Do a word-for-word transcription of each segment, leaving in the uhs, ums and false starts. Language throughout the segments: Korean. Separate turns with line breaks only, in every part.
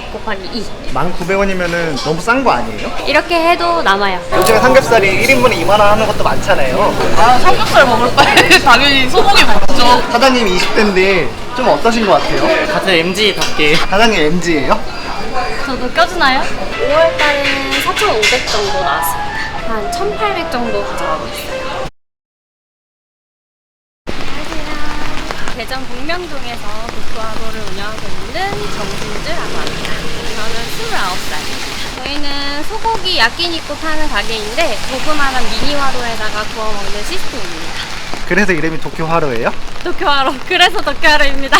곱하기 이.
만 구백 원이면은 너무 싼 거 아니에요?
이렇게 해도 남아요.
요즘에 삼겹살이 일 인분에 이만 원 하는 것도 많잖아요.
아, 삼겹살 먹을 바에 당연히 소고기 먹죠.
사장님이 이십 대인데 좀 어떠신 것 같아요?
같은 엠지답게.
사장님 엠지예요?
저도 껴주나요? 오월 달에는 사천오백 정도 나왔습니다. 한 천팔백 정도 가져가고 있어요. 안녕하세요. 대전 북명동에서 도쿄하루를 운영하고 있는 정진주라고 합니다. 저는 스물아홉 살입니다. 저희는 소고기 야끼니쿠 파는 가게인데 조그마한 미니화로에다가 구워 먹는 시스템입니다.
그래서 이름이 도쿄하루예요?
도쿄하루. 그래서 도쿄하루입니다.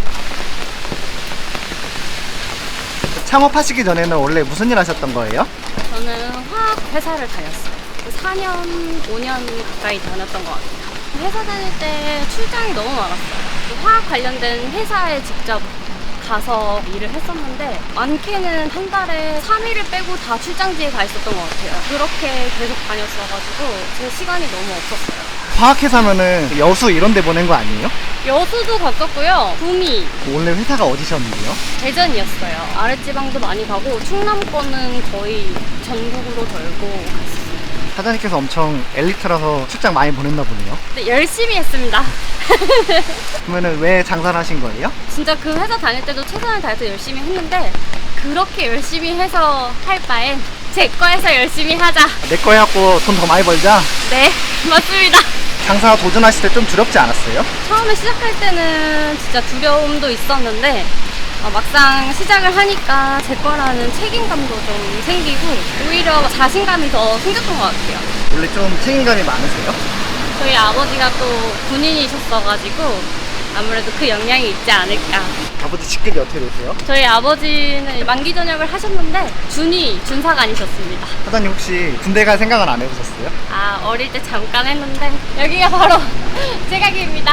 창업하시기 전에는 원래 무슨 일 하셨던 거예요?
저는 화학 회사를 다녔어요. 사 년, 오 년 가까이 다녔던 것 같아요. 회사 다닐 때 출장이 너무 많았어요. 화학 관련된 회사에 직접 가서 일을 했었는데 많게는 한 달에 삼 일을 빼고 다 출장지에 가 있었던 것 같아요. 그렇게 계속 다녔어가지고 제 시간이 너무 없었어요.
화학회사면은 여수 이런 데 보낸 거 아니에요?
여수도 갔었고요. 구미,
원래 회사가 어디셨는데요?
대전이었어요. 아랫지방도 많이 가고 충남권은 거의 전국으로 돌고 갔어요.
사장님께서 엄청 엘리트라서 출장 많이 보냈나 보네요.
근데 열심히 했습니다.
그러면은 왜 장사를 하신 거예요?
진짜 그 회사 다닐 때도 최선을 다해서 열심히 했는데 그렇게 열심히 해서 할 바엔 제 거에서 열심히 하자.
내 거 해갖고 돈 더 많이 벌자.
네, 맞습니다.
장사 도전하실 때 좀 두렵지 않았어요?
처음에 시작할 때는 진짜 두려움도 있었는데 어, 막상 시작을 하니까 제 거라는 책임감도 좀 생기고 오히려 자신감이 더 생겼던 것 같아요.
원래 좀 책임감이 많으세요?
저희 아버지가 또 군인이셨어가지고 아무래도 그 영향이 있지 않을까.
아버지 직급이 어떻게 되세요?
저희 아버지는 만기 전역을 하셨는데 준이 준사관이셨습니다.
사장님 혹시 군대 갈 생각은 안 해보셨어요?
아, 어릴 때 잠깐 했는데 여기가 바로 제 가게입니다.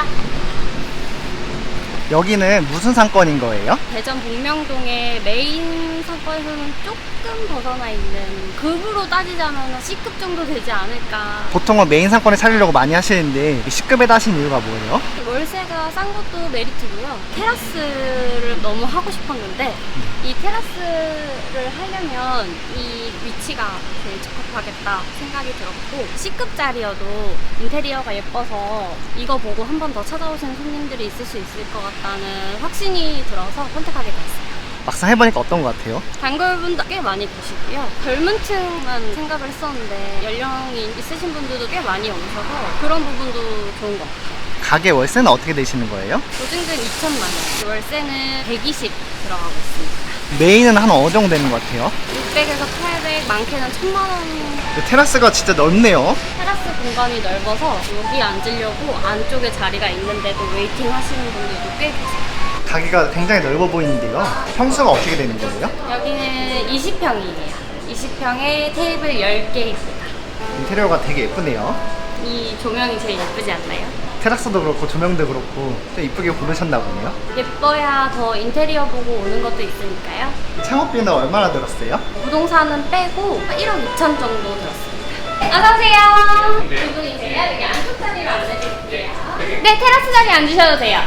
여기는 무슨 상권인 거예요?
대전 북명동의 메인 상권에서는 조금 벗어나 있는, 급으로 따지자면 C급 정도 되지 않을까.
보통은 메인 상권에 차리려고 많이 하시는데 C급에다 하신 이유가 뭐예요?
월세가 싼 것도 메리트고요. 테라스를 너무 하고 싶었는데 이 테라스를 하려면 이 위치가 제일 적합하겠다 생각이 들었고, C급짜리여도 인테리어가 예뻐서 이거 보고 한 번 더 찾아오시는 손님들이 있을 수 있을 것 같다는 확신이 들어서 선택하게 됐어요.
막상 해보니까 어떤 것 같아요?
단골분도 꽤 많이 계시고요. 젊은 층만 생각을 했었는데 연령이 있으신 분들도 꽤 많이 오셔서 그런 부분도 좋은 것 같아요.
가게 월세는 어떻게 되시는 거예요?
보증금 이천만 원, 월세는 백이십 들어가고 있습니다.
메인은 한 어느 정도 되는 것 같아요?
육백에서 팔백, 많게는 천만 원.
근데 테라스가 진짜 넓네요.
테라스 공간이 넓어서 여기 앉으려고 안쪽에 자리가 있는데도 웨이팅 하시는 분들도 꽤 계세요.
가게가 굉장히 넓어 보이는데요. 평수가 어떻게 되는 거예요?
여기는 이십 평이에요. 이십 평에 테이블 열 개입니다.
인테리어가 되게 예쁘네요.
이 조명이 제일 예쁘지 않나요?
테라스도 그렇고 조명도 그렇고 좀 이쁘게 고르셨나 보네요.
예뻐야 더 인테리어 보고 오는 것도 있으니까요.
창업비는 얼마나 들었어요?
부동산은 빼고 일억 이천 정도 들었습니다. 어서오세요. 두 분이세요? 여기 안쪽 자리로 앉아주실게요. 네, 테라스 자리에 앉으셔도 돼요.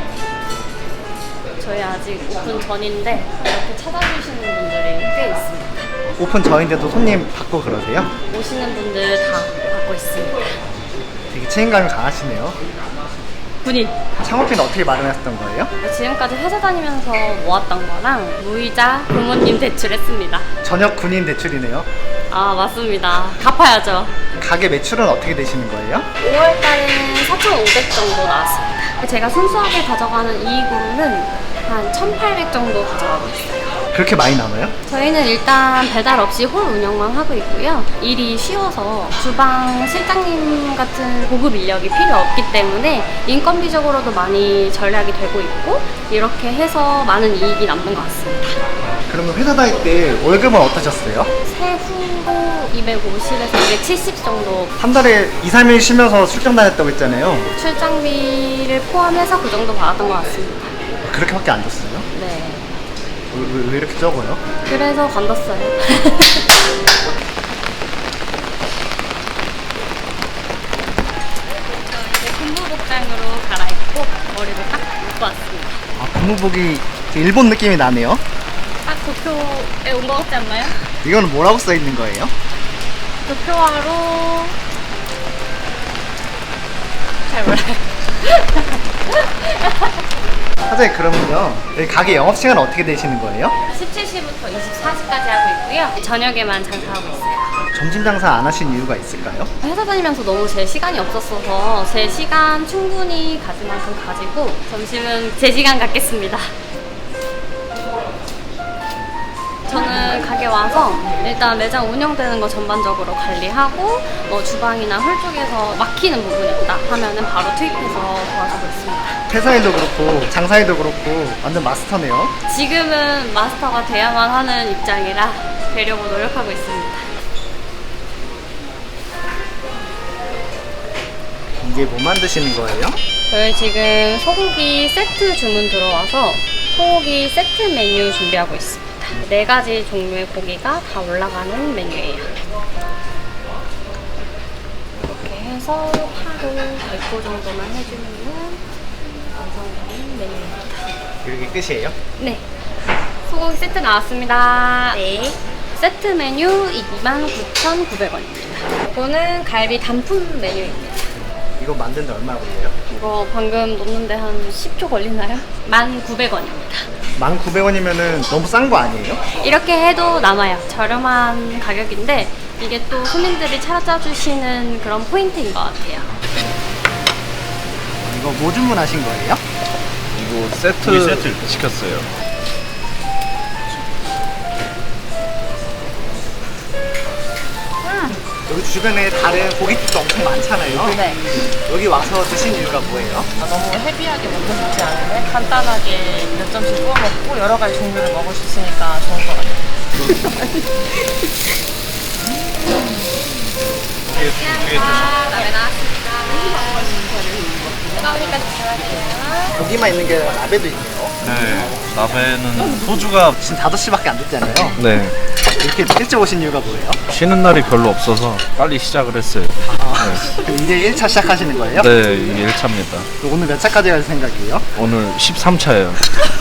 저희 아직 오픈 전인데 이렇게 찾아주시는 분들이 꽤 있습니다.
오픈 전인데도 손님 받고 그러세요?
오시는 분들 다 받고 있습니다.
되게 책임감이 강하시네요.
군인.
창업비는 어떻게 마련하셨던 거예요?
지금까지 회사 다니면서 모았던 거랑 무이자 부모님 대출했습니다.
전역 군인 대출이네요.
아, 맞습니다. 갚아야죠.
가게 매출은 어떻게 되시는 거예요?
오월 달에는 사천오백 정도 나왔습니다. 제가 순수하게 가져가는 이익으로는 한 천팔백 정도 가져가고 있어요.
그렇게 많이 남아요?
저희는 일단 배달 없이 홀 운영만 하고 있고요. 일이 쉬워서 주방 실장님 같은 고급 인력이 필요 없기 때문에 인건비적으로도 많이 절약이 되고 있고, 이렇게 해서 많은 이익이 남는 것 같습니다.
그러면 회사 다닐 때 월급은 어떠셨어요?
세후로 이백오십에서 이백칠십 정도.
한 달에 이, 삼 일 쉬면서 출장 다녔다고 했잖아요.
출장비를 포함해서 그 정도 받았던 것 같습니다.
그렇게밖에 안 줬어요?
네.
왜, 왜, 왜 이렇게 적어요?
그래서 관뒀어요. 이제 근무복장으로 갈아입고 머리를 딱 묶고 왔습니다.
아, 근무복이 일본 느낌이 나네요.
딱 도쿄에 온 것 같지 않나요?
이거는 뭐라고 써 있는 거예요?
도쿄화로 잘 몰라요.
사장님 그러면요 여기 가게 영업시간은 어떻게 되시는 거예요?
십칠 시부터 이십사 시까지 하고 있고요. 저녁에만 장사하고 있어요.
점심 장사 안 하신 이유가 있을까요?
회사 다니면서 너무 제 시간이 없었어서 제 시간 충분히 가질 만큼 가지고 점심은 제 시간 갖겠습니다. 저는 가게 와서 일단 매장 운영되는 거 전반적으로 관리하고 뭐 주방이나 홀 쪽에서 막히는 부분이 있다 하면은 바로 투입해서 도와주고 있습니다.
회사에도 그렇고 장사에도 그렇고 완전 마스터네요.
지금은 마스터가 돼야만 하는 입장이라 되려고 노력하고 있습니다.
이게 뭐 만드시는 거예요?
저희 지금 소고기 세트 주문 들어와서 소고기 세트 메뉴 준비하고 있습니다. 네 가지 종류의 고기가 다 올라가는 메뉴예요. 이렇게 해서 파로 백 호 정도만 해주면 완성되는 메뉴입니다.
이렇게 끝이에요?
네. 소고기 세트 나왔습니다. 네. 세트 메뉴 이만 구천구백 원입니다. 이거는 갈비 단품 메뉴입니다.
이거 만드는데 얼마 걸려요?
이거 방금 놓는데 한 십 초 걸리나요? 만 구백 원입니다.
만 구백 원이면은 너무 싼 거 아니에요?
이렇게 해도 남아요. 저렴한 가격인데 이게 또 손님들이 찾아주시는 그런 포인트인 것 같아요.
이거 뭐 주문하신 거예요?
이거 세트,
우리 세트.
시켰어요.
여기 주변에 다른 고깃집도 엄청 많잖아요.
네.
여기 와서 드신 이유가 뭐예요?
아, 너무 헤비하게 먹고 싶지 않은데 간단하게 몇 점씩 구워 먹고 여러 가지 종류를 먹을 수 있으니까 좋은 것 같아요.
나베 나왔습니다. 뜨거우니까 조심하세요.
고기만 있는 게 아니라 나베도 있네요.
네. 나베는 소주가
지금 다섯 시밖에 안 됐잖아요.
네.
이렇게 일찍 오신 이유가 뭐예요?
쉬는 날이 별로 없어서 빨리 시작을 했어요.
그럼 이제 일 차 시작하시는 거예요?
네, 이게 일 차입니다.
오늘 몇 차까지 갈 생각이에요?
오늘 십삼 차예요.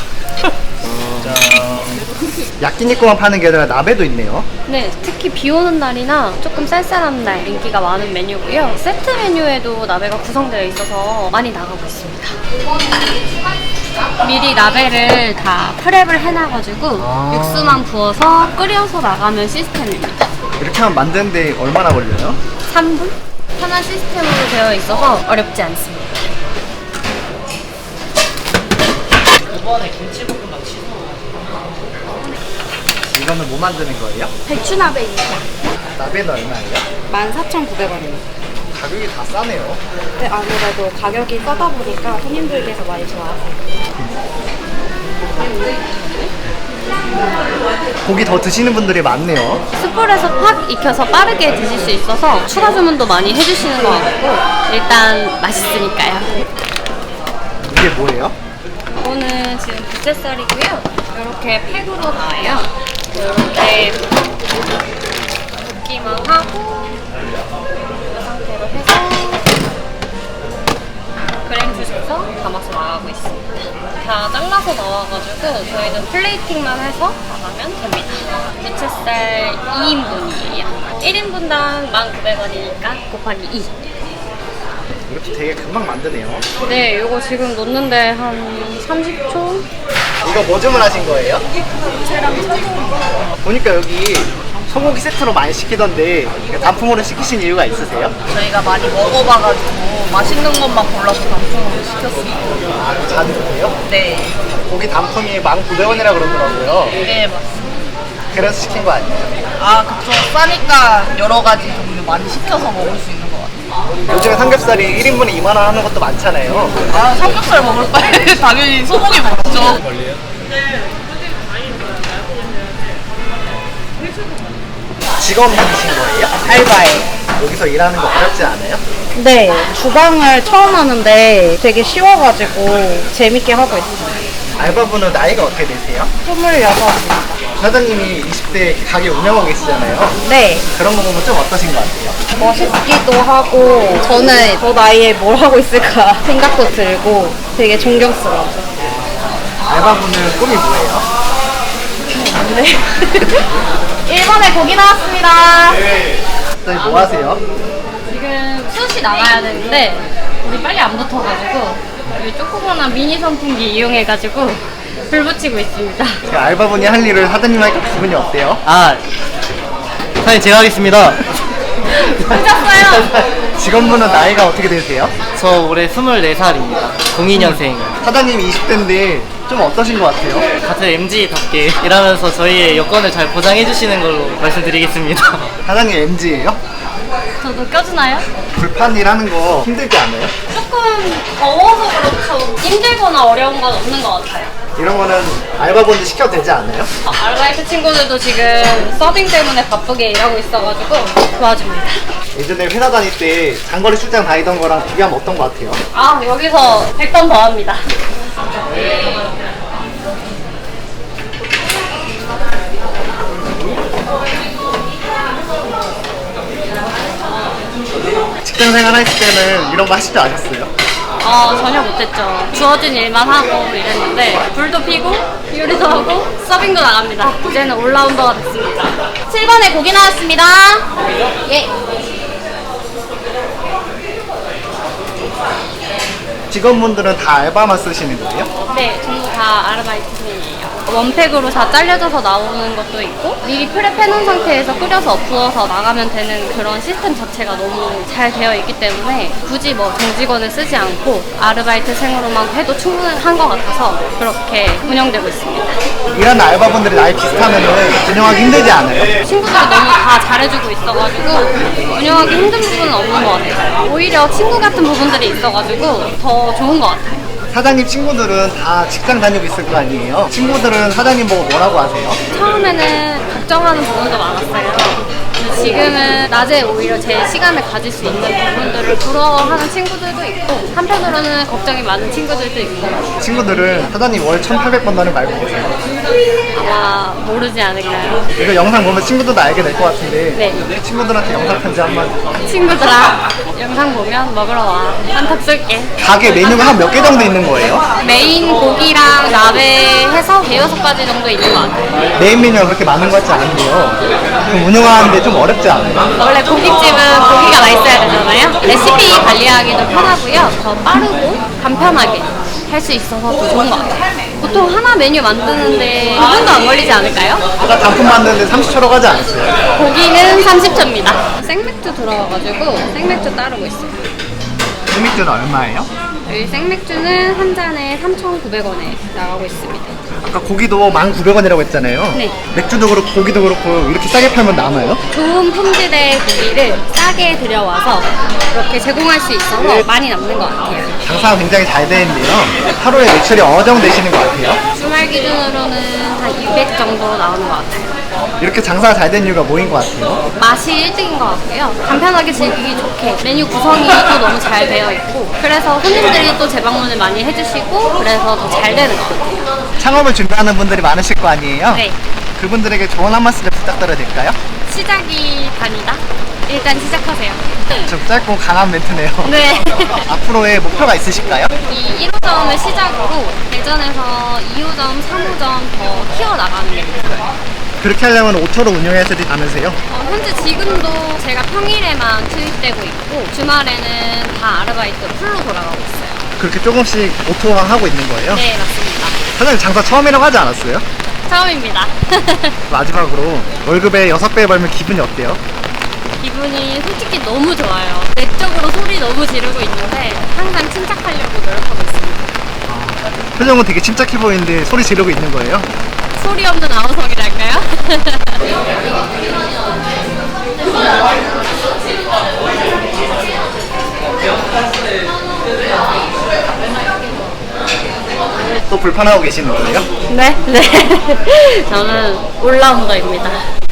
야끼니코만 파는 게 아니라 나베도 있네요.
네, 특히 비 오는 날이나 조금 쌀쌀한 날 인기가 많은 메뉴고요. 세트 메뉴에도 나베가 구성되어 있어서 많이 나가고 있습니다. 미리 나베를 다 프랩을 해놔가지고
아.
육수만 부어서 끓여서 나가는 시스템입니다.
이렇게 하면 만드는데 얼마나 걸려요?
삼 분? 편한 시스템으로 되어 있어서 어렵지 않습니다.
이거는 뭐 만드는 거예요?
배추나베입니다.
나베는 얼마예요?
만 사천구백 원입니다.
가격이 다 싸네요.
네, 아무래도 가격이 싸다 보니까 손님들께서 많이 좋아하세요.
고기 더 드시는 분들이 많네요.
숯불에서 팍 익혀서 빠르게 드실 수 있어서 추가 주문도 많이 해주시는 것 같고 일단 맛있으니까요.
이게 뭐예요?
이거는 지금 부채살이고요. 이렇게 팩으로 나와요. 이렇게 볶기만 하고 이 상태로 해서 그램 주셔서 담아서 나가고 있습니다. 다 잘라서 나와가지고 저희는 플레이팅만 해서 나가면 됩니다. 부채살 이 인분이에요. 일 인분당 만 구백 원이니까 곱하기 이.
이것도 되게 금방 만드네요.
네, 이거 지금 놓는데 한 삼십 초?
이거 뭐 주문하신 거예요? 보니까 여기 소고기 세트로 많이 시키던데 단품으로 시키신 이유가 있으세요?
저희가 많이 먹어봐가지고 맛있는 것만 골라서 단품으로 시켰어요.
아, 자주 드세요?
네.
고기 단품이 만 구백 원이라 그러더라고요.
네, 맞습니다.
그래서 시킨 거 아니에요?
아, 그쵸. 싸니까 여러 가지 종류 많이 시켜서 먹을 수 있는 것 같아요.
요즘에 삼겹살이 일 인분에 이만 원 하는 것도 많잖아요.
아, 삼겹살 먹을 바에 당연히 소고기 먹죠.
직업이신 거예요?
알바예요.
여기서 일하는 거 어렵지 않아요?
네, 주방을 처음 하는데 되게 쉬워가지고 재밌게 하고 있어요.
알바분은 나이가 어떻게 되세요?
스물여섯입니다.
사장님이 이십 대 가게 운영하고 계시잖아요.
네,
그런 거 보면 좀 어떠신 것 같아요?
멋있기도 하고 저는 저 나이에 뭘 하고 있을까 생각도 들고 되게 존경스러워요.
알바분은 꿈이 뭐예요?
네. 일 번에 고기 나왔습니다.
사장님 뭐 하세요?
지금 수시 나가야 되는데 우리 빨리 안 붙어가지고 여기 조그만한 미니 선풍기 이용해가지고 불 붙이고 있습니다.
제가 알바분이 할 일을 사장님 하니까 기분이 어때요?
아, 사장님 제가 하겠습니다.
붙였어요.
직원분은 나이가 어떻게 되세요?
저 올해 스물네 살입니다. 공이 년생.
사장님이 이십 대인데 좀 어떠신 것 같아요?
같은 엠지답게 일하면서 저희의 여건을 잘 보장해 주시는 걸로 말씀드리겠습니다.
사장님 엠지예요?
저도 껴주나요?
불판 일 하는 거 힘들지 않아요?
조금 더워서 그렇죠. 힘들거나 어려운 건 없는 것 같아요.
이런 거는 알바분들 시켜도 되지 않아요?
어, 아르바이트 친구들도 지금 서빙 때문에 바쁘게 일하고 있어가지고 도와줍니다.
예전에 회사 다닐 때 장거리 출장 다니던 거랑 비교하면 어떤 것 같아요?
아, 여기서 백 번 더 합니다.
직장 생활 했을 때는 이런 거 하실 줄 아셨어요?
어, 전혀 못했죠. 주어진 일만 하고 이랬는데 불도 피고 요리도 하고 서빙도 나갑니다. 이제는 올라운더가 됐습니다. 칠 번에 고기 나왔습니다. 예.
직원분들은 다 알바만 쓰시는 거예요?
네, 전부 다 아르바이트생이에요. 원팩으로 다 잘려져서 나오는 것도 있고 미리 프랩해놓은 상태에서 끓여서 부어서 나가면 되는 그런 시스템 자체가 너무 잘 되어 있기 때문에 굳이 뭐 정직원을 쓰지 않고 아르바이트생으로만 해도 충분한 것 같아서 그렇게 운영되고 있습니다.
일하는 알바분들이 나이 비슷하면은 운영하기 힘들지 않아요?
친구들이 너무 다 잘해주고 있어가지고 운영하기 힘든 부분은 없는 것 같아요. 오히려 친구 같은 부분들이 있어가지고 더 좋은 것 같아요.
사장님 친구들은 다 직장 다니고 있을 거 아니에요? 친구들은 사장님 보고 뭐라고 하세요?
처음에는 걱정하는 부분도 많았어요. 근데 지금은 낮에 오히려 제 시간을 가질 수 있는 부분들을 부러워하는 친구들도 있고 한편으로는 걱정이 많은 친구들도 있고
친구들은 사장님 월 천팔백 번 나는 말고 보세요.
아마 모르지 않을까요?
이거 영상 보면 친구들도 알게 될 것 같은데
네.
친구들한테 영상 편지 한마디.
친구들아 영상 보면 먹으러 와. 한턱 쏠게.
가게 메뉴가 한 몇 개 정도 있는 거예요?
메인 고기랑 나베 해서 대여섯 가지 정도 있는 것 같아요.
메인 메뉴가 그렇게 많은 것 같지 않은데요. 그럼 운영하는데 좀 어렵지 않아요?
원래 고깃집은 고기가 맛있어야 되잖아요. 레시피 관리하기도 편하고요. 더 빠르고 간편하게 할 수 있어서 더 좋은 것 같아요. 보통 하나 메뉴 만드는데 이 분도 안 걸리지 않을까요?
아까 단품 만드는데 삼십 초라고 하지 않았어요?
고기는 삼십 초입니다. 생맥주 들어와가지고 생맥주 따르고 있어요.
소맥주는 얼마예요?
여기 생맥주는 한 잔에 삼천구백 원에 나가고 있습니다.
아까 고기도 만 구백 원이라고 했잖아요.
네.
맥주도 그렇고 고기도 그렇고 이렇게 싸게 팔면 남아요?
좋은 품질의 고기를 싸게 들여와서 이렇게 제공할 수 있어서 많이 남는 것 같아요.
장사가 굉장히 잘 되는데요. 하루에 매출이 어느 정도 되시는 것 같아요?
주말 기준으로는 한 이백 정도 나오는 것 같아요.
이렇게 장사가 잘 된 이유가 뭐인 것 같아요?
맛이 일 등인 것 같고요. 간편하게 즐기기 좋게 메뉴 구성이 또 너무 잘 되어 있고 그래서 손님들이 또 재방문을 많이 해주시고 그래서 더 잘 되는 것 같아요.
창업을 준비하는 분들이 많으실 거 아니에요?
네.
그분들에게 조언 한 말씀 부탁드려도 될까요?
시작이 반이다. 일단 시작하세요.
좀 짧고 강한 멘트네요.
네.
앞으로의 목표가 있으실까요?
이 일 호점을 시작으로 대전에서 이 호점, 삼 호점 더 키워나가는 게 목표예요.
그렇게 하려면 오토로 운영해야 되지 않으세요?
어, 현재 지금도 제가 평일에만 투입되고 있고 주말에는 다 아르바이트 풀로 돌아가고 있어요.
그렇게 조금씩 오토화하고 있는 거예요?
네, 맞습니다.
사장님 장사 처음이라고 하지 않았어요?
처음입니다.
마지막으로 월급의 여섯 배 벌면 기분이 어때요?
기분이 솔직히 너무 좋아요. 내적으로 소리 너무 지르고 있는데 항상 침착하려고 노력하고 있습니다.
표정은 되게 침착해 보이는데 소리 지르고 있는 거예요?
소리 없는 아우성이랄까요?
또 불판하고 계시는 거예요?
네, 네. 저는 올라운더입니다.